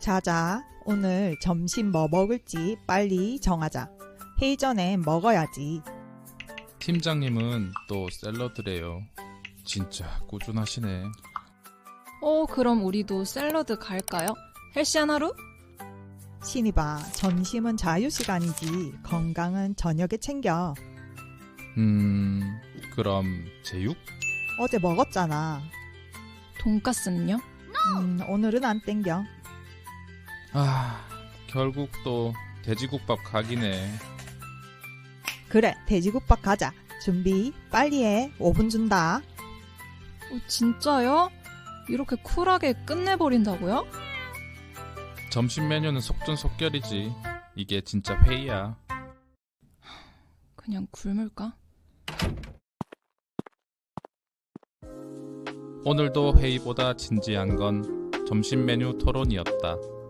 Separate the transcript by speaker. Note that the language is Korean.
Speaker 1: 자자, 오늘 점심 뭐 먹을지 빨리 정하자. 회의 전에 먹어야지.
Speaker 2: 팀장님은 또 샐러드래요. 진짜 꾸준하시네.
Speaker 3: 그럼 우리도 샐러드 갈까요? 헬시한 하루?
Speaker 1: 신이봐, 점심은 자유시간이지. 건강은 저녁에 챙겨.
Speaker 2: 그럼 제육?
Speaker 1: 어제 먹었잖아.
Speaker 3: 돈까스는요?
Speaker 1: 오늘은 안 땡겨.
Speaker 2: 결국 또 돼지국밥 각이네.
Speaker 1: 그래, 돼지국밥 가자. 준비 빨리 해. 5분 준다.
Speaker 3: 진짜요? 이렇게 쿨하게 끝내버린다고요?
Speaker 2: 점심 메뉴는 속전속결이지. 이게 진짜 회의야.
Speaker 3: 그냥 굶을까?
Speaker 2: 오늘도 회의보다 진지한 건 점심 메뉴 토론이었다.